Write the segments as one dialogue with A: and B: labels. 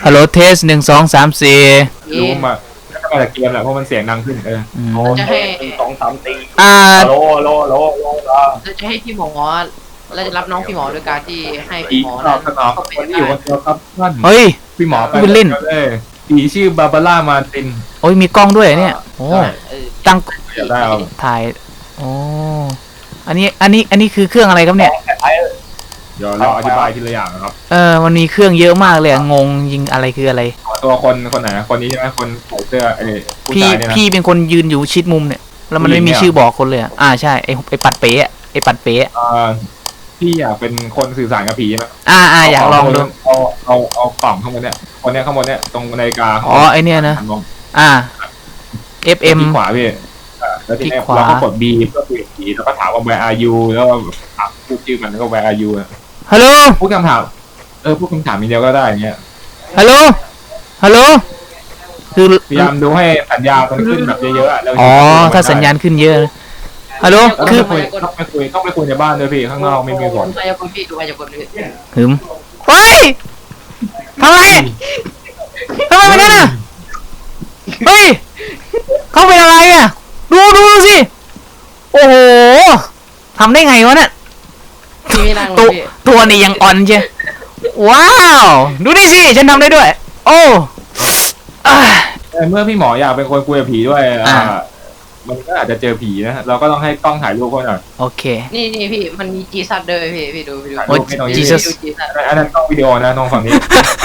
A: ฮัลโหลเทส1 2 3 4
B: รู้มาแล้วก็มาจากเกมแหละเพราะมันเสียงดังขึ้น
C: โอ้
D: จะให้
C: 1 2 3 4
A: อ่า
C: โล
D: เราจะให้พี่หมอเราจะรับน้องพี่หมอโดยการที่ให้
B: ผี
D: พี่หมอ
B: ตอบสนองคนที่อยู่คนเดียวครับท่าน
A: เฮ้ย
B: พี่หมอไป
A: พูดเล่น
B: เลยผีชื่อบาบาร่ามาติน
A: โอ้ยมีกล้องด้วยเนี่ยโอ้ตั้ง
B: อยากได้เอา
A: ถ่ายโอ้อันนี้คือเครื่องอะไรครับเนี่ย
B: เดี๋ยวเราอธิบายทีละอย่างนะครับ
A: มันมีเครื่องเยอะมากเลยงงยิงอะไรคืออะไร
B: ตัวคนไหนคนนี้ใช่ไหมคนใส่เสื้อผู้
A: พี่
B: ชายเนี่ยนะ
A: พี่เป็นคนยืนอยู่ชิดมุมเนี่ยแล้วมันไม่มี
B: ผู้หญิงเนี่ย
A: ชื่อบอกคนเลยใช่ไอปัดเป๊ะไอปัดเป๊ะ
B: พี่อยากเป็นคนสื่อสารกับผีไหม
A: อยากลองดู
B: เอากล่องข้างบนเนี่ยคนเนี้ยข้างบนเนี่ยตรงนาฬิกา
A: ไอเนี่ยนะ
B: หัมอง
A: FM
B: ที่ขวาพี่แล้วทีนี้
A: ที่ขวา
B: เราก็กด B เพื่อคุยกับผีแล้วก็ถามว่า where are you แล้วก็ถามพูดชื่อมันแล้วก็ where are you
A: ฮัลโหล
B: พูดคำถามพูดคำถามมีเดียวก็ได้อย่างเงี้ย
A: ฮัลโหลฮัลโหลคือ
B: พยายามดูให้สัญญาณมันขึ้นแบบเยอะๆแล้ว
A: ถ้าสัญญาณขึ้นเยอะฮัลโหล
B: แล้ว
A: คือ
B: ต้องไปคุยในบ้านด้วยพี่ข้างนอกไม่มีผล
D: ดูพยากรณ์พี่ดูพยากรณ์พี่
A: หืมเฮ้ยทำไมเป็นงั้นอ่ะเฮ้ยเขาเป็นอะไรอ่ะดูสิโอ้โหทำได้ไงวะเนี่ย
D: พี่ไม่นั่งเล
A: ตัวย
D: พี่
A: ตัวนี่ยังอ่อนใช่ว้าวดูนี่สิฉันทำได้ด้วยโอ้อ่า
B: เมื่อพี่หมออยากเป็นคนคุยกับผีด้วยมันก็อาจจะเจอผีนะเราก็ต้องให้กล้องถ่ายรูปเขาหน่อย
A: โอเค
D: นี่พี่มันมีจีซัดด้วยพี่ดู
B: ถ่าย
A: โอ้
B: รูปให้ตรงนี้
A: Jesus
D: จีซัด
B: อันนั้นกล้องวิดีโอนะตรงฝั่งนี้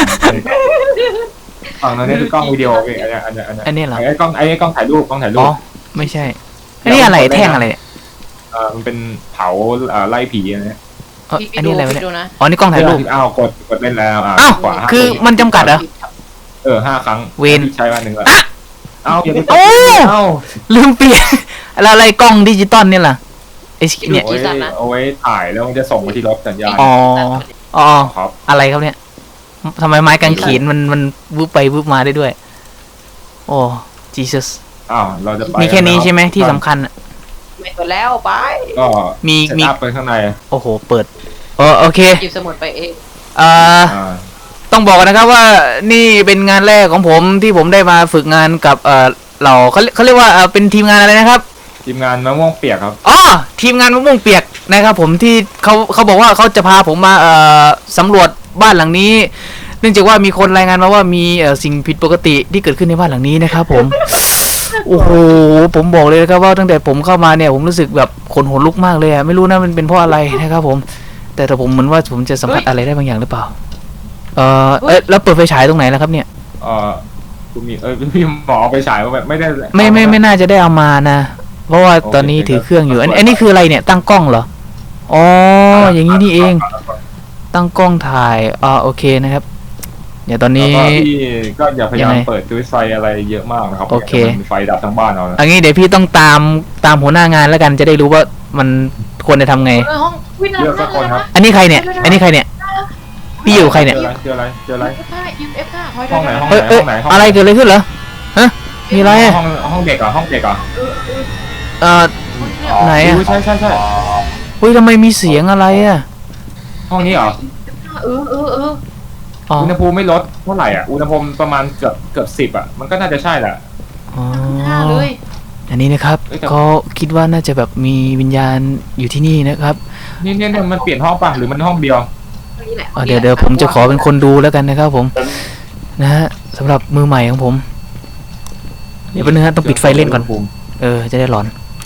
B: ฝั่งนั้นนี่คือกล้องวิดีโอพี่อันนี้
A: อันนี้เหรอ
B: ไอ้กล้องถ่ายรูป
A: ไม่ใช่อันนี้อะไรแท่งอะไรเนี่ย
B: มันเป็นเผาไล่ผีอะไรเนี่ย
A: อันนี้อะไรวะเนี่ย
D: ดูนะ
A: นี่กล้องถ่ายรูป
B: กดเล่นแล้วขวา
A: คือมันจำกัดเหรอ
B: 5 ครั้ง
A: เวร
B: ใช้วันหนึ่งละอย่าไป
A: โอ้ ลืมเปลี่ยนแล้วอะไรกล้องดิจิตอลเนี่ยล่ะไอ้เนี่ย
B: เอาไว้ถ่ายแล้วมันจะส่งไปที่รถสัญญาณ
A: อ๋อ
B: ครับ
A: อะไรครับเนี่ยทำไมไม้กางเขนมันวืบไปวืบมาได้ด้วยโอ้จีซัส
B: เราจะไป
A: มีแค่นี้ใช่ไหมที่สำคัญ
D: ไม่ตัวแล้วไป
B: ก็
A: มี
B: เซตอัพไปข้างใน
A: โอ้โหเปิดโอเค
D: หยิบสมุดไปเอง
A: ต้องบอกกันนะครับว่านี่เป็นงานแรกของผมที่ผมได้มาฝึกงานกับเขาเรียกว่าเป็นทีมงานอะไรนะครับ
B: ทีมงานมะม่วงเปียกครับ
A: ทีมงานมะม่วงเปียกนะครับผมที่เขาบอกว่าเขาจะพาผมมาสำรวจบ้านหลังนี้ เนื่องจากว่ามีคนรายงานมาว่ามีสิ่งผิดปกติที่เกิดขึ้นในบ้านหลังนี้นะครับผม โอ้โหผมบอกเลยนะครับว่าตั้งแต่ผมเข้ามาเนี่ยผมรู้สึกแบบขนหัวลุกมากเลยไม่รู้นะมันเป็นเพราะอะไรนะครับผมแต่ผมเหมือนว่าผมจะสัมผัสอะไรได้บางอย่างหรือเปล่าแล้วเปิดไฟฉายตรงไหนแล้วครับเนี่ย
B: คุณมีพี่หมอเอาไปฉายว่าแบบไม่ได้
A: ไม่น่าจะได้เอามานะเพราะว่าตอนนี้ถือเครื่องอยู่อันนี้คืออะไรเนี่ยตั้งกล้องเหรออย่างนี้นี่เองตั้งกล้องถ่ายโอเคนะครับเดี๋ยวตอนนี้
B: พี่ก็อย่าพยายามเปิดด้วยไฟอะไรเยอะมากนะครับ
A: โอเค
B: ไฟดับทั้งบ้านเอานะ
A: อันนี้เดี๋ยวพี่ต้องตามหัวหน้างานแล้วกันจะได้รู้ว่ามันควรจะทำไง
D: ห้องวิ่ง
B: เลือกสักคนครับ
A: อันนี้ใครเนี่ยพี่อยู่ใครเนี่ย
B: เจออะไร
D: ยิมเอฟค่ะ
B: ห้องไหน
A: อะไรเกิดอะไรขึ้นเหรอฮะมีอะไร
B: ห้องเด็กเหรอห้องเด็กเหรอ
A: ไหนอ่ะ
B: ใช่
A: เฮ้ยทำไมมีเสียงอะไรอ่ะ
B: ห้องนี้เหรอ อุณหภูมิไม่ลดเท่าไหร่อุณหภูมิประมาณเกือบ10มันก็น่าจะใช่แหละ
D: เลย
A: อันนี้นะครับก็คิดว่าน่าจะแบบมีวิญญาณอยู่ที่นี่นะครับ
B: นี่มันเปลี่ยนห้องป่ะหรือมันห้องเดียว
A: เดี๋ยวผมจะขอเป็นคนดูแล้วกันนะครับผมนะฮะสำหรับมือใหม่ของผมเดี๋ยวเป็นนึงฮะต้องปิดไฟเล่นก่อนจะได้หลอน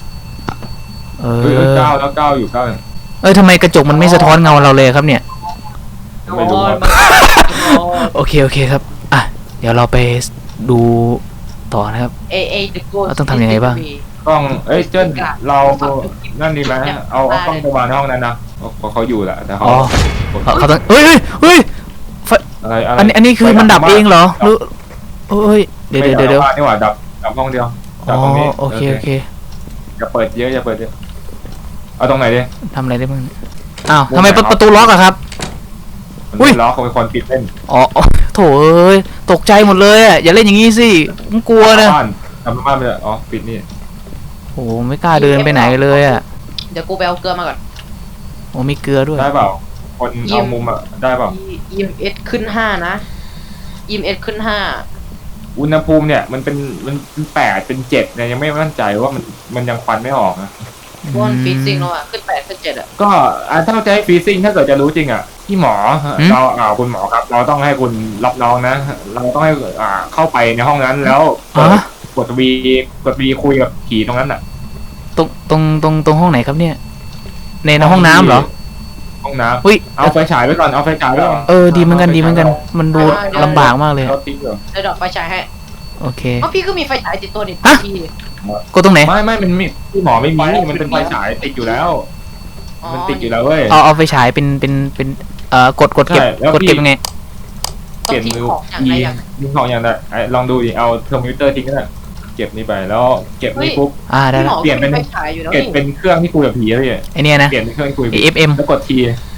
B: ก้าวอยู่
A: ทำไมกระจกมันไม่สะท้อนเงาเราเลยครับเนี่ย
B: ไม่รู้ครับ
A: โอเคครับเดี๋ยวเราไปดูต่อนะครับเราต้องทำยังไงบ้าง
B: กล้องเจิ้นเรานั่นดีไหมเอากล้องประมาณห้องนั้นนะเขาอยู่แหละแต่เขา
A: ต้องเฮ้ย
B: อะไร
A: อันนี้คือมันดับเองเหรอหรือเดี๋ยว
B: นี่หว่าดับห้องเดียวดับตรงนี้
A: โอเค
B: อย่าเปิดเยอะเอาตรงไหนดิ
A: ทำอะไรได้บ้างทำไมประตูล็อกอะครับ
B: มันล็อกเขาเป็นคนปิดเล่น
A: โถตกใจหมดเลยอย่าเล่นอย่างงี้สิผมกลัวนะ
B: ทำบ้านไปเลยปิดนี่
A: โอ้ไม่กล้าเดินไปไหนเลย
D: เดี๋ยวกูไปเอาเกลือมาก่อน
A: มีเกลือด้วย
B: ได้เปล่าคนเอามุมได้เปล่า
D: EMS ขึ้น5นะ EMS ขึ้น
B: อุณหภูมิเนี่ยมันเป็น8เป็น7เนี่ยยังไม่มั่นใจว่ามันยังควันไม่ออกนะ
D: 5วอนฟีซิ่งแล้วอ่ะขึ้น8ขึ้น7อ่ะ
B: ก็ถ้าจะให้ฟรีซิ่งถ้าเกิดจะรู้จริงอ่ะพี่หมอเราคุณหมอครับ เราต้องให้คุณรับน้องนะ เราต้องให้เข้าไปในห้องนั้นแล้วกดวีคุยกับผีตรงนั้นอ่ะ
A: ตรงห้องไหนครับเนี่ยในห้องน้ำเหรอ
B: ห้องน้
A: อุ้ย
B: ำเอาไฟฉายไว้ก่อนเอาไฟฉายไว้ก่อน
A: ดีเหมือนกันมันดูลำบากมากเลย
B: เราทิ้งเหรอ
D: ได้ดอกไฟฉายให้
A: โอเค
D: อ๋อพี่ก็มีไฟฉายติดตัวนี่พี่
A: กดตรงไหน
B: ไม่มันมีพี่หมอไม่มีมันเป็นไฟฉายติดอยู่แล้ว มันติดอยู่แล้วเว้ย
A: เอาไฟฉายเป็นกดเก็บ
B: ใช่แล้ว
A: กดเก็บยังไง
B: เปลี่ยนมือยิงของอย่างไรลองดูดิเอาเทอร์มิเตอร์ทิ้งก็ได้เก็บนี่ไปแล้วเก็บนี่ปุ๊บ
A: ได้
D: พี่ห
A: แล้
D: ม
A: ว
D: อเปลี่ยนเป็นไฟฉายอยู่แล้ว
B: เก็บ
D: นี่
B: เป็นเครื่องที่คุยกับผีเลย
A: ไอเนี้ยนะ
B: เปลี่ยนเป็นเครื่องที่คุย
A: FM
B: แล้วกดที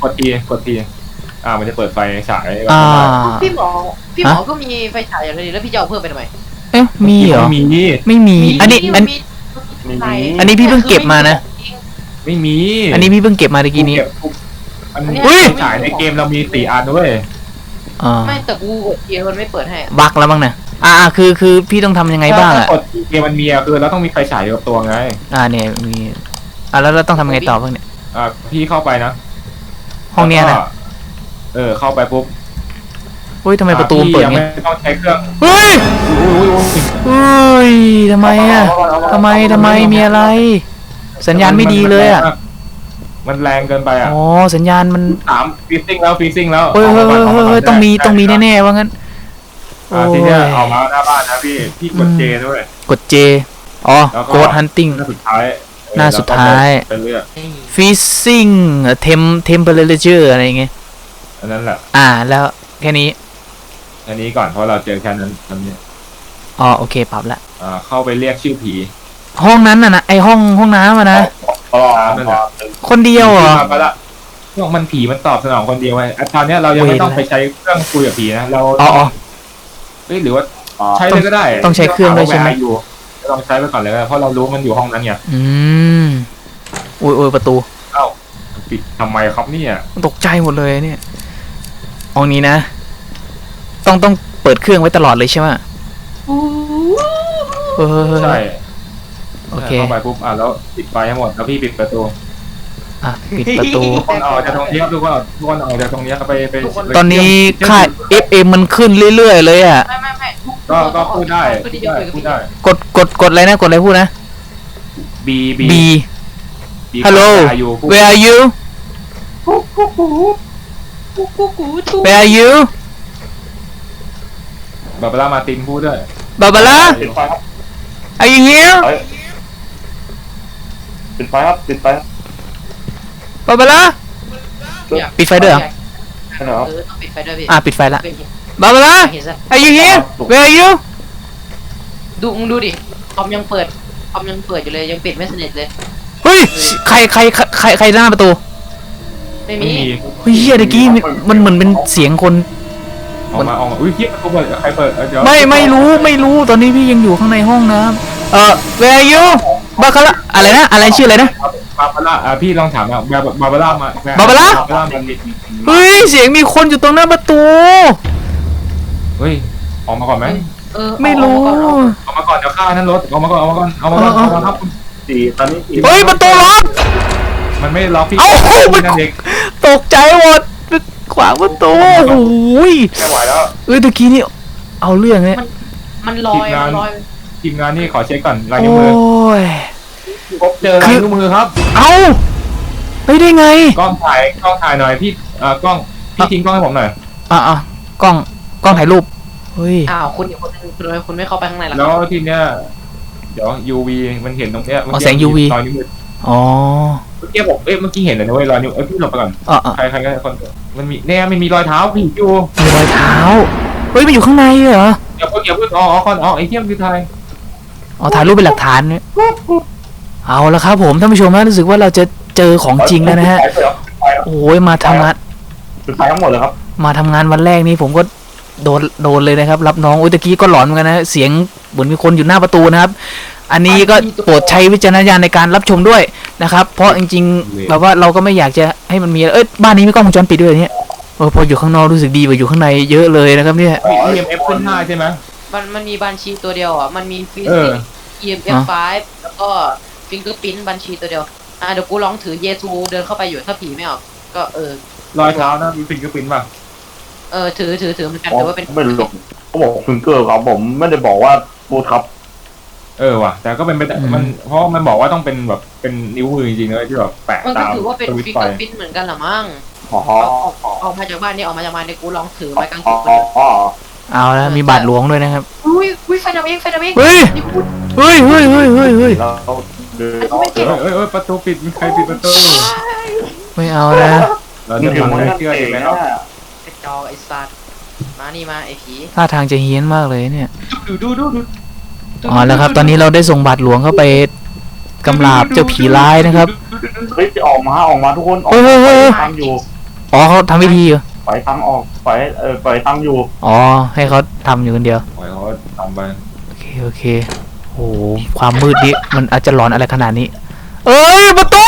B: มันจะเปิดไฟฉาย
D: พี่หมอก็มีไฟฉายอยู่แล้วแล้วพี่จะเอาเพิ่มไปทำไม
A: เอ๊ะมีเหรอ ไม่มีอันนี้พี่เพิ่งเก็บมานะ
B: ไม่มี
A: อันนี้พี่เพิ่งเก็บมาตะกี้นี้
B: อันนี้
A: อุ้ย
B: ไฟฉายในเกมเรามี4อันด้วย
D: ไม่แต่กูกดเกียร์มันไม่เปิดให้
A: บักแล้วบ้างนะคือพี่ต้องทำยังไงบ้างอ่ะ
B: กดเกมมันมีคือเราต้องมีไฟฉายอยู่กับตัวไง
A: เนี่ยมีแล้วเราต้องทำยังไงต่อบ้างเนี่ย
B: พี่เข้าไปนะ
A: ห้องเนี้ยนะ
B: เข้าไปปุ๊บ
A: เฮ้ยทำไมประตูเปิด
B: ยัง
A: เงี้
B: ไม่
A: ย
B: ต้องใช้เครื่อง
A: เฮ้ยทำไมอ่ะทำไมมีอะไร สัญญาณไม่ดีเลยอ่ะ
B: มันแรงเกินไปอ่ะ
A: สัญญาณมัน
B: ฟรีซิ่งแล้ว
A: เฮ้ยต้องมีแน่ๆว่างั้น
B: ทีเนี้ยเอามาหน้าบ้านนะพี่กดเจด้วย
A: กด J โกดฮันติง
B: หน้าสุดท้าย เป็นเลือก
A: Freezing Temperature อะไรอย่างเงี้ย
B: อันนั้นแหละ
A: แล้วแค่นี้
B: อันนี้ก่อนเพราะเราเจอแค่นั้นอันนี้
A: โอเคปรับละ
B: เข้าไปเรียกชื่อผี
A: ห้องนั้นนะไอห้องน้ำนะ
B: นั่นแหละ
A: คนเดียวเหรอ
B: มาละพวกมันผีมันตอบสนองคนเดียวไว้ตอนนี้เรายังไม่ต้องไปใช้เครื่องคุยกับผีนะเราหรือว่าใช้เลยก็ได้
A: ต้องใช้เครื่องด้วยใช่ไหม
B: ลองใช้ไปก่อนเลยเพราะเรารู้มันอยู่ห้องนั้นไง
A: โอ้ยประตู
B: ปิดทำไมครับเนี่ย
A: ตกใจหมดเลยเนี่ยห้องนี้นะ ต้องเปิดเครื่องไว้ตลอดเลยใช่ไหม
B: ใช่
A: โอเค
B: เข้าไปปุ๊บแล้วปิดไฟให้หมดแล้วพี่ปิดประตู
A: ปิดประตู
B: ทุกคนออกจากตรงนี้ทุกคนออกจากตรงนี้ไป
A: ตอนนี้ค่า FM มันขึ้นเรื่อยๆเลยอ่ะ
D: ไม่
B: ก็พูดได้
A: กดอะไรนะกดอะไรพูดนะ
B: B
A: Hello Where are you Where are you
B: บาบาร่ามาตินพูดด้วย
A: Barbara
C: ปิดไฟครับ
A: Are you here
C: ปิดไฟครับปิดไฟ
A: Barbara ปิดไฟด้วยเหรอ
D: ต้องปิดไฟด้วยพี่
A: ปิดไฟละ Barbara Are you here Where are you
D: มึงดูดิคอมยังเปิดอยู่เลยยังปิดไม่สนิทเลย
A: เฮ้ยใครหน้าประตู
D: ไม่มี
A: เฮ้ยเมื่อกี้มันเหมือนเป็นเสียงคน
B: ออกมาอุ้ยเฮียประตูเปิดใครเปิด
A: ไม่รู้ตอนนี้พี่ยังอยู่ข้างในห้องน้ำWhere are you บาคาร่าอะไรนะอะไรชื่ออะไรนะ
B: บาบาร่าพี่ลองถามบาบาร่ามา
A: เฮ้ยเสียงมีคนอยู่ตรงหน้าประตู
B: เฮ้ยออกมาก่อนไหม
A: ไม่รู้
B: ออกมาก่อนเดี๋ยวฆ่านั้นรถออกมาก่อนครับ
C: ตอนนี้
A: เฮ้ยประตูล็อก
B: มันไม่ล็อกพี่
A: นั่นเองตกใจหมดขวางประตูโอ้ย
B: ไม่ไหวแล้ว
A: ตะกี้นี่เอาเรื่องเนี่ย
D: มันลอย
B: ทีมงานนี่ขอเช็คก่อนลาย
A: โอ้
B: นิ้วมือย เจอลายนิ้วมือครับ
A: เอาไปได้ไง
B: กล้องถ่ายหน่อยพี่กล้องพี่ทิ้งกล้องให้ผมหน่อย
A: กล้องถ่ายรูปเฮ้ย
D: คุณอีกคนนึงคุณไม่เข้าไปข้างในหรอ
B: แล้วทีเนี้ยเดี๋ยว UV มันเห็นตรงเนี้ยรอยนิ้วมือ
A: อ๋อ
B: เมื่อกี้เห็นเลยนะเว้ยรอยนิ้วพี่หลบไปก่อนใครก็คนมันมีเนี่ยมันมีรอยเท้าพี่อยู่
A: มีรอยเท้าเฮ้ยมันอยู่ข้างในเหรอ
B: เดี๋ยวพึ่งไอ้เทียมคือไทย
A: ถ่ายรูปเป็นหลักฐานเนี่ยเอาละครับผมท่านผู้ชมนะรู้สึกว่าเราจะเจอของจริงแล้วนะฮะโอ้ยมาทำงาน
C: ปิดไฟทั้งหมดเลยครับ
A: มาทำงานวันแรกนี่ผมก็โดนเลยนะครับรับน้องตะกี้ก็หลอนเหมือนกันนะเสียงเหมือนมีคนอยู่หน้าประตูนะครับอันนี้ก็โปรดใช้วิจารณญาณในการรับชมด้วยนะครับเพราะจริงๆแบบว่าเราก็ไม่อยากจะให้มันมีบ้านนี้มีกล้องวงจรปิดด้วยเนี่ยพออยู่ข้างนอกรู้สึกดีกว่าอยู่ข้างในเยอะเลยนะครับเนี่ย
B: มี EMF ขึ้น5ใช่ไหม
D: มันมีบัญชีตัวเดียวอ่ะมันมีฟิ
B: เอ
D: สิ
B: อ
D: กส์ EMF 5แล้วก็ฟิงเกอร์พิ้นบัญชีตัวเดียวเดี๋ยวกูลองถือเยซูเดินเข้าไปอยู่ถ้าผีไม่ออกก็
B: รอยเท้านะมีฟิงเกอร์พิ้นป่ะ
D: ถือเหมือนกัน
C: อ๋อ
D: แต่ว่าเป็น
C: ไม่รู้เขาบอกฟิงเกอร์ครับผมไม่ได้บอกว่าฟูดครับ
B: ว่ะแต่ก็เป็นไปได้มันเพราะมันบอกว่าต้องเป็นแบบเป็นนิ้วมือจริงๆเลยที่แบบแปะ
D: มันก็
B: ตาม
D: ถือว่าเป็น
B: สวิต
D: ฟิ
B: ช์
D: ง
B: ไฟ
D: เกอร์พิ้นเหมือนกันเหรอมั้ง
C: อ๋อ
D: ออกมาจากบ้านนี่ออกมาจากบ้านนี่กูลองถือไม้กางเข
C: อ๋อน
D: มาเลย
C: อ๋อ
A: เอาแล้วมีบาทหลวงด้วยนะครับ
D: อุ้ยไฟดับเอง
A: เฮ้ย
D: นี่พูด
A: เฮ้ย
C: เราเดิน
B: ประตูปิดมีใครปิดประตู
A: ไม่เอานะ
B: เรา
C: นี่
B: จะ
C: ถึง
B: ทำ
C: วัน
B: ให้
C: นั้น
B: เชื่อ
C: เอ
B: ถูก
C: ง
B: ไหม
C: นะครับ
D: ไอ้จอไอ้สัตว์มานี่มาไอ้ผี
A: ท่าทางจะเฮี้ยนมากเลยเนี่ย
B: ดู
A: อ๋อแล้วครับ ตอนนี้เราได้ส่งบาทหลวงเข้าไปกำราบเจ้าผีร้ายนะครับ
C: เฮ้ยออกมาทุกคนออก
A: เฮ้ย
C: ตังอยู่
A: อ๋อเขาทำพิธีเหรอ
C: ปล่อยตังออกปล่อยตังอยู่
A: อ๋อให้เขาทำอยู่คนเดียว
B: ปล่อยเขาทำไป
A: โอเคโอ้โหความมืดนี้มันอาจจะหลอนอะไรขนาดนี้ เอ้ยประตู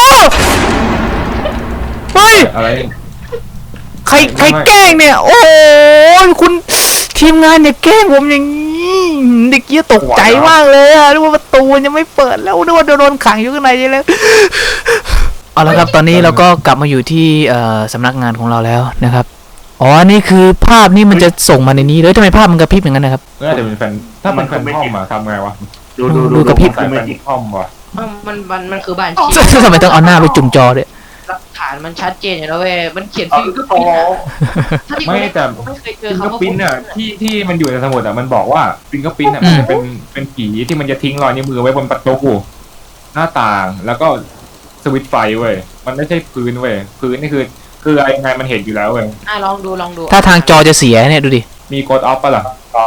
A: เฮ้ย
B: อะไร
A: ใครแกล้งเนี่ย โอ้ยคุณทีมงานเนี่ยแกล้งผมอย่างนี้เด็กเกี้ยตกใจมากเลยอะนึกว่าประตูยังไม่เปิดแล้วนึกว่าโดนขังอยู่ข้างในใช่แล้วเอาละครับตอนนี้เราก็กลับมาอยู่ที่สำนักงานของเราแล้วนะครับอ๋อนี่คือภาพนี่มันจะส่งมาในนี้เลยทำไมภาพมันกระพริบอย่างนั้นนะครับ
B: น่าจะเป็นแฟนถ้าเป็นแฟนพ่อมอะทำไงวะ
A: ดูกระพริบ
B: ใส่แฟนพ่อมวะ
D: มันคือบ้านชี
A: ทำไมต้องเอาหน้าไปจุ่มจอด้วย
D: หลักฐานมันชัดเจนอยู่แล้วเว้ยมันเขียน
C: เอา
D: ฟิงเกอร์
C: ต่
D: พิ้
C: อน
D: ถ้าที่
B: ไม่แต่
D: ไม่เคยเจอ
B: ฟิงเกอ
D: คำว่า
B: ร์ปิ้นอะที่มันอยู่ในสมุดอะมันบอกว่าฟิงเกอร์ปิ้นอะมันจะเป็นผีที่มันจะทิ้งรอยนิ้วมือไว้บนประตูหน้าต่างแล้วก็สวิตช์ไฟเว้ยมันไม่ใช่พื้นเว้ยพื้นนี่คืออะไรไงมันเห็นอยู่แล้วเว้ย
D: ลองดู
A: ถ้าทางจอจะเสียเนี่ยดูดิ
B: มีกดออฟปะล่ะ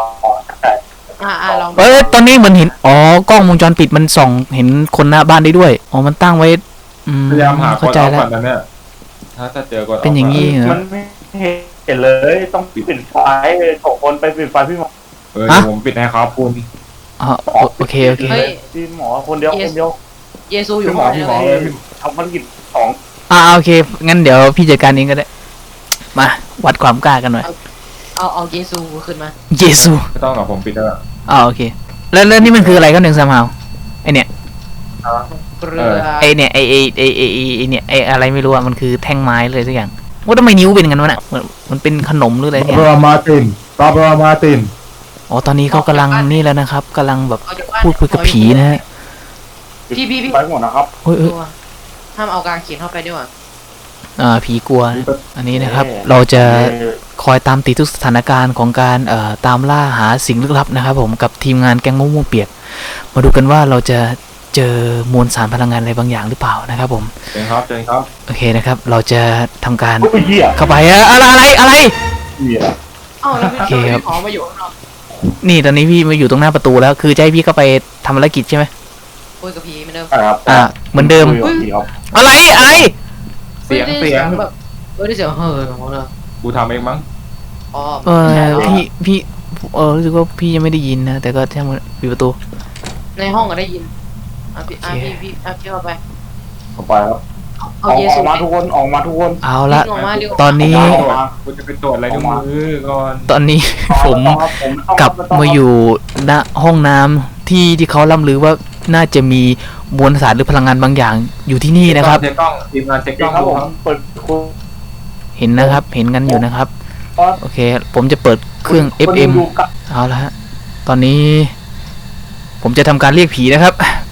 D: ลองดู
A: เอ้ยตอนนี้เหมือนเห็นอ๋อกล้องวงจรปิดมันส่องเห็นคนหน้าบ้านได้ด้วยอ๋อมันตั้งไว้
B: พยายามหาก
A: เข้า
B: ด
A: ใจ
B: ออฟ
A: แล้ว
B: ก่อนนะเนี่ยถ้าเจอกดออฟ
A: เป็นอย่างนี้
C: มันไม่เห็นเลยต้องปิดไฟส่งคนไปปิดไฟพี่หมอ
B: ผมปิดให้ครับคุณ
A: อ๋อโอเค
D: เฮ้ย
C: พี่หมอคนเดียว
D: เยซูอยู่
C: พี่หม
D: ห้
C: อ
D: อง
C: พี่
D: นี้
C: หมอ
D: เลย
C: ทำภารกิจ2
A: โอเคงั้นเดี๋ยวพี่จัดการเองก็ได้มาวัดความกล้ากันหน่อย
D: เอาเยซูขึ้นมา
A: เยซู
B: ไม่ต้องหรอกผมปิดแล้ว
A: โอเคแล้วนี่มันคืออะไรก็หนึ่งสามหาวไอเนี่ย
D: เกลือ
A: ไอเนี่ยไอเนี่ยไออะไรไม่รู้อะมันคือแท่งไม้เลยสักอย่างว่าทำไมนิ้วเป็นงั้นวะน่ะมันเป็นขนมหรืออะไรเนี่ย
B: บรามาติน
A: อ๋อตอนนี้เขากำลังนี่แล้วนะครับกำลังแบบพูดคุยกับผีนะฮะ
D: พี่
C: ไปหมดนะครับ
A: เฮ้ย
D: ห้ามเอากางเขียนเข้าไปด้วยว่ะ
A: ผีกลัวนะอันนี้นะครับ เราจะคอยตามติดทุกสถานการณ์ของการตามล่าหาสิ่งลึกลับนะครับ ผมกับทีมงานแก๊งมะม่วงเปียก มาดูกันว่าเราจะเจอมวลสารพลังงานอะไรบางอย่างหรือเปล่านะครับผม
B: เชิญครับ
A: โอเคนะครับ เราจะทำการ
C: โอ้ยเหี้ย
A: เข้าไปอะไร
C: เหี้ย
D: แล้วพี่
A: โอเคครับ
D: ขอมาอยู่ข้างนอก
A: นี่ตอนนี้พี่มาอยู่ตรงหน้าประตูแล้วคือจะให้พี่เข้าไปทำภารกิจใช่ไหม
D: คุยกับผีเหมือนเดิม
C: ครับ
A: เหมือนเดิม
C: ครับ
A: อะไร
B: เสียง
D: แบบได้เสียงเฮ้ยของเรา
B: กูทำเองมั้ง
D: อ๋อ
A: พี่รู้สึกว่าพี่ยังไม่ได้ยินนะแต่ก็ช่างมันปิดประตู
D: ในห้องก็ได้ยินพี่เข้าไป
C: เข้าไปครับ
D: เอา
C: อ
D: เยซู
C: อกมาทุกคนออกมาทุกคน
A: เอาละ
D: ออกมาเร็ว
A: ตอนนี้
B: กูจะไปตรวจอะไรนิ้วมือก่อน
A: ตอนนี้ ผมกลับมาอยู่ณห้องน้ำที่เขาล่ำลือว่าน่าจะมีมวลสารหรือพลังงานบางอย่างอยู่ที่นี่นะครับ
B: เช็คกล้องทีมงานเช็คก
C: ค
B: ล้
C: รั
B: อบ ง
C: ผมเปิดคุณ
A: เห็นนะครับ เห็นกันอยู่นะครับ โอเค ผมจะเปิดเครื่อง FM เอาละฮะตอนนี้ ผมจะทำการเรียกผีนะครับ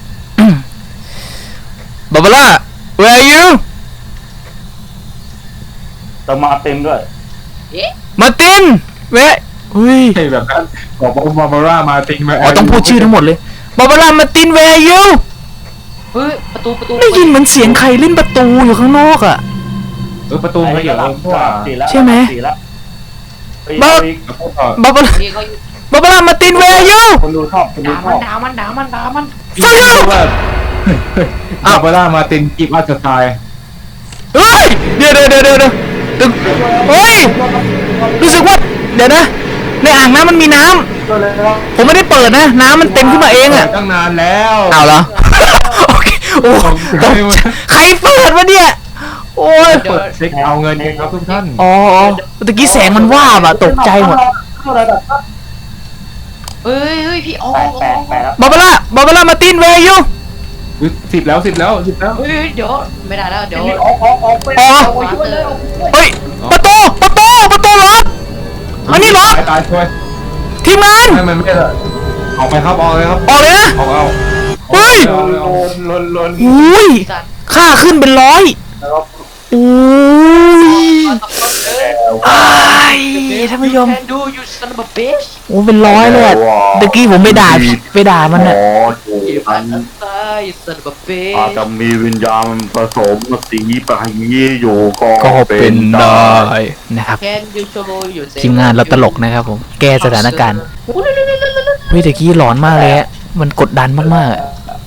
A: บาบาร่า where are you
C: จะมาเต็มด้วย
A: มาร์ติน where อุ้ย
B: ใช่แบบนั้นบอกว่าบาบาร่ามาติงมา
A: อ๋อต้องพูดชื่อทั้งหมดเลยบาบาร่า มาร์ติน where are you
D: เฮ้ยประตู
A: ได้ยินเหมือนเสียงใครเล่นประตูอยู่ข้างนอกอ่ะ
B: ประตูไม่อยู่เพราะว่า
A: ใช่ไหม
C: บ้า
A: บาบาร่า
D: นี่เขา
A: บาบาร่า มาร์ติน where are you
C: คนดูชอบคนดูชอบ
D: ด่ามัน
B: พี่รู้ว่าบาบาร่ามาตินกิฟต์อัสไตล์
A: เฮ้ยเดี๋ยวเฮ้ยรู้สึกว่าเดี๋ยวนะในอ่างน้ำมันมีน้ำผมไม่ได้เปิดนะน้ำมันเต็มขึ้นมาเองอ่ะ
B: ตั้งนานแล้ว
A: เอาเหรอ โอเคโอ้ตกใจใครเปิดวะเนี่ยโอ้อ้ย
D: เดี๋ยว
B: เช็คเอาเงินกันครับทุกท่าน
A: อ๋อตะกี้แสงมันว่าบอะตกใจหมด
D: เฮ้ยพี่อ๋อ
C: แปลแล้ว
A: บาบาร่ามาตินเวยู
B: 10 แล้ว
D: เฮ้ยเดี๋ยวไม่ได้แล้วเดี๋ยว
C: ออกไป
D: ช่วยเลย
A: เฮ้ยประตูล็อกอันนี้ล็อก
B: ตายช่วย
A: ทีมงาน
B: ให้มันไม่ได้ออกไปครับออกเลยครับ
A: ออกเลยนะ
B: ออกเอา
A: เฮ้ย
C: ลน
A: อุ้ย
D: สัตว์
A: ค่าขึ้นเป็นร้อยอุ้ยอ้ายท่านผู้ชม
D: แคนดูยูซันบับเบช
A: โอ้เป็นร้อยเลยอะตะกี้ผมไปด่ามันอะ
C: ถูก
D: อั
C: อั
D: น
C: น
D: ตายซันบับเบช
C: อาจจะมีวิญญาณผสมสีไปอยู่ก็
A: ก็เป็นได้นะครับ
D: แคนยูโชว์อยู่
A: ทีมงานเราตลกนะครับผมแก้สถานการณ์เฮ้ยตะกี้หลอนมากเลยอะมันกดดันมากๆอะ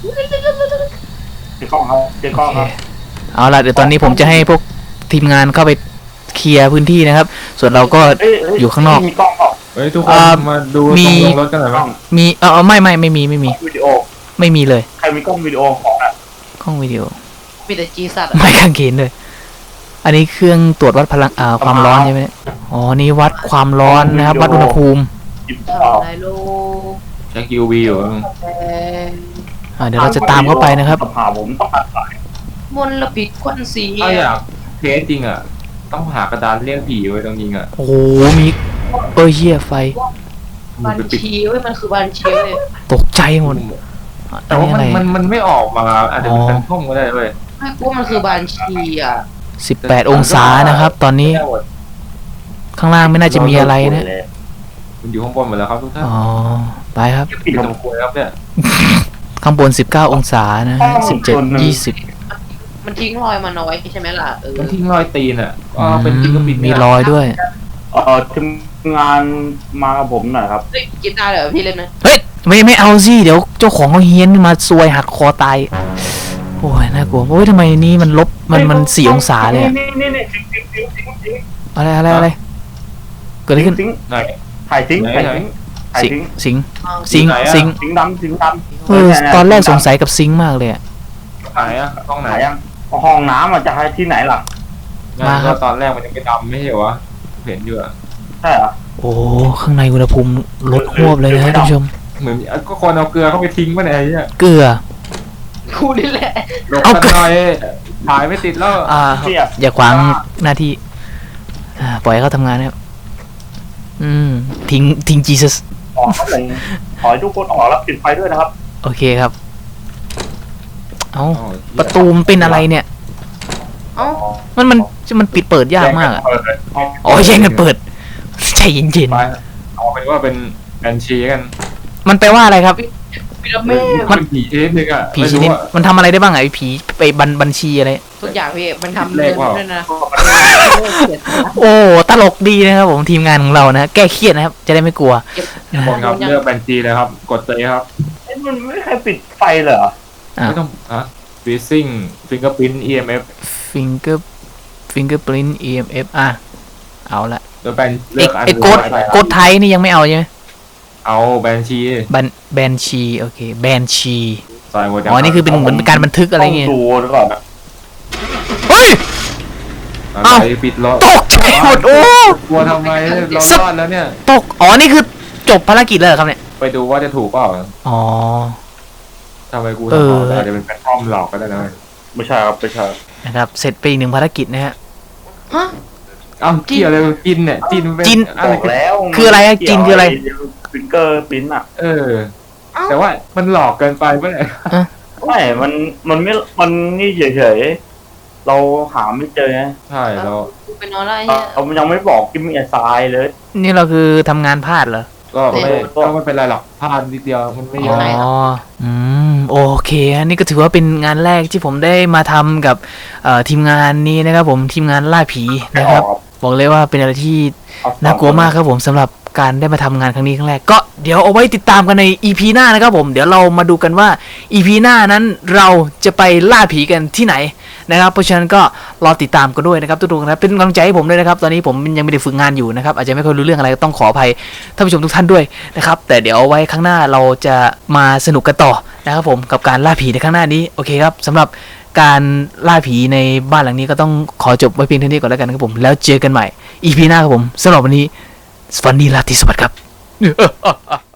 C: เจ๊กล้องครับเจ๊กล้องครับ
A: เอาล่ะเดี๋ยวตอนนี้ผมจะให้พวกทีมงานเข้าไปเคลียร์พื้นที่นะครับ ส่วนเราก็ อยู่ข้างนอก
C: มีกล้องเปล่า
B: เฮ้ยทุกคนมาดูตรงลงรถกันหน่อย
C: กล้
B: มั้
C: อง
B: ง
A: มีไม่มี
C: วิดีโอ
A: ไม่มีเลย
C: ใครมีกล้องวิดีโอของอ่ะ
A: กล้องวิดีโอ
D: มีแต่จีสัตว์
A: ไม่กางเขนเลย อันนี้เครื่องตรวจวัดพลังความร้อนใช่ไหมเนี่ยอ๋อนี่วัดความร้อนนะครับ วัดอุณหภูมิ
C: จิบต่อ
D: ไลโล
B: เช็ค UV อยู่
D: แอน
A: เดี๋ยวเราจะตามเข้าไปนะครับ
C: หาผมต้องตัดสาย
D: มลพิษควันสี
B: ถ้าอยากเทสจริงอ่ะต้องหากระดานเรียกผีไว้ตรงยิงอ่ะ
A: โอ้โหมีเหี้ยไฟ
D: บัญ
B: ไปปิด
D: ชีเว้ยมันคือบัญชีเว้ย
A: ตกใจหมด
B: แต่ว่า
A: อันนี้อะไร
B: มันไม่ออกมาอาจจะเป็นห้องก็ได้เว้ย
D: ไม่กูว่ามันคือบัญชีอ่ะ
A: 18 องศานะครับ ตอนนี้ข้างล่างไม่น่าจะมีอะไรนะ
B: มันอยู่ข้างบนหมดแล้วครับทุกท่าน
A: อ๋อไปครับ
B: ปิดตรงครัวครับเนี่ย
A: ข้างบน 19 องศานะฮะ17 20
D: มันทิ้งรอยมันเอาไว้ใช่ไหมล่ะ
B: มันทิ้งรอยตีนอ่ะเป็นจริงก็ปิด
A: มีรอยด้วย
C: ทีมงานมากับผมหน่อยครับ
D: เฮ้ยกีตาร์เดี๋ยวพี่เล่นนะ
A: เฮ้ยไม่เอาสิเดี๋ยวเจ้าของเขาเฮี้ยนมาซวยหักคอตายโอ้ยน่ากลัวโอ้ยทำไมนี่มันลบมัน4 องศาเลยอะ
C: นี่ทิ้ง
A: อะไรเกิดอะไรขึ้น
C: ทิ้ง
B: ไหน
C: ถ่ายทิ้งถ่ายทิ้งถ่าย
A: สิง
C: ทิ้ง
A: สิง
C: ทิ้งดำทิ้งดำ
A: เออตอนแรกสงสัยกับซิงค์มากเลยอะ
B: ไหนอ่ะห้องไหน
C: ไหนยังห้องน้ำมันจะให้ที่ไหนล่ะ
A: มาครับ
B: ตอนแรกมันยังไม่ดำไม่ใช่เหรอวะเห็นอยู่อ่ะ
C: ใช่เหรอ
A: โอ้ข้างในอุณหภูมิลดหวบเลยนะท่านผู้ชม
B: เหมือนก็คนเอาเกลือเข้าไปทิ้งไปไหนเนี่ย
A: เกลือ
D: กูนี่แหละ
B: ลบกันหน่อยถ่ายไม่ติดแล้ว
C: เทียบ
A: อย่าขวางหน้าที่ปล่อยให้เขาทำงานนะครับทิ้งจีซัส
C: ออกเลยขอให้ทุกคนออกแล้วปิดไฟด้วยนะครับ
A: โอเคครับเอาประตูมันเป็นอะไรเนี่ย
D: เอ้า
A: มันปิดเปิดยากมากอะอ๋อแย่งกันเปิดใจเย็น
B: ไปเอาเป็นว่าเป็นแอนชีกัน
A: ๆมันแปลว่าอะไรครับ
D: พีระมิด
B: มันผีชนิดนึงอ่ะ
A: ผีชนิดมันทำอะไรได้บ้างอะไอ้ผีไปบัญชีอะไร
D: ทุกอย่างพี่มันทำเงินด้วยนะ
A: โอ้ตลกดีนะครับผมทีมงานของเรานะแก้เครียดนะครับ จะได้ไม่กลัว
B: คนครับเลือกแอนชีเลยครับกดเลยครับ
C: มันไม่ให้ปิดไฟเหรอ
B: ไม่ต้องฟีซิ่งฟิงเกอร์พิ้น EMF
A: fingerprint EMF เอาละ
B: แล้วแบนเลือกอัน
A: ไอ้โกดไทยนี่ยังไม่เอาใช่ไหม
B: เอาแบนชี
A: แบนชีโอเคแบนชี
B: ใส่หมด
A: อ๋อนี่คือเป็นเหมือนเป็นการบันทึกอะไรเงี้ย
C: ต้องดูก่อนนะ
A: เฮ้ย
B: เอ้าปิดล้อ
A: ตกใจหมดโอ้
B: กลัวทำไมเรารอดแล้วเนี่ย
A: ตกอ๋อนี่คือจบภารกิจแล้วเหรอครับเนี่ย
B: ไปดูว่าจะถูกเปล่า
A: อ๋อ
B: ทำไมกูทำอาจจะเป็นแพลตฟอร์มหลอกก็ได้นะ
C: ไม่ใช่ครับไม่ใช่
A: นะครับเสร็จไปอีก1 ภารกิจนะฮะ
D: ฮะ
B: เอ้าเกี่ยวอะไรจินเนี่ยจินเป็น
A: จิน
B: อะไร
C: บอกแล้ว
A: คืออะไรอะจินคืออะไร
C: ฟิงเกอร์ปิ้นอ่ะ
B: แต่ว่ามันหลอกเกินไปเมื่อไหร่
C: ไม่มันไม่มันนี่เฉยๆเราหาไม่เจอไง
B: ใช่เรา
D: กูเป็นนอนแล้วไอ้เนี่ย
C: เรายังไม่บอกกิมมี่ทรายเลย
A: นี่เราคือทำงานพลาดเหรอ
B: ก็ไม่เป็นไรหรอกพลาดนิดเดียวมันไม่เย
A: อ๋
B: อะ
A: อโอเคอันนี้ก็ถือว่าเป็นงานแรกที่ผมได้มาทำกับทีมงานนี้นะครับผมทีมงานล่าผีนะครับ บอกเลยว่าเป็นอะไรที่น่ากลัวมากครับผมสำหรับการได้มาทำงานครั้งนี้ครั้งแรกก็เดี๋ยวเอาไว้ติดตามกันใน EP หน้านะครับผมเดี๋ยวเรามาดูกันว่า EP หน้านั้นเราจะไปล่าผีกันที่ไหนนะครับเพราะฉะนั้นก็รอติดตามกันด้วยนะครับทุกๆนะเป็นกำลังใจให้ผมด้วยนะครับตอนนี้ผมยังไม่ได้ฝึกงานอยู่นะครับอาจจะไม่ค่อยรู้เรื่องอะไรต้องขออภัยท่านผู้ชมทุกท่านด้วยนะครับแต่เดี๋ยวเอาไว้ข้างหน้าเราจะมาสนุกกันต่อนะครับผมกับการล่าผีในข้างหน้านี้โอเคครับสำหรับการล่าผีในบ้านหลังนี้ก็ต้องขอจบไว้เพียงเท่านี้ก่อนแล้วกันครับผมแล้วเจอกันใหม่ EP หน้าครับผมสำหรับวันนี้สวัสดีราตรีสวัสดิ์ครับ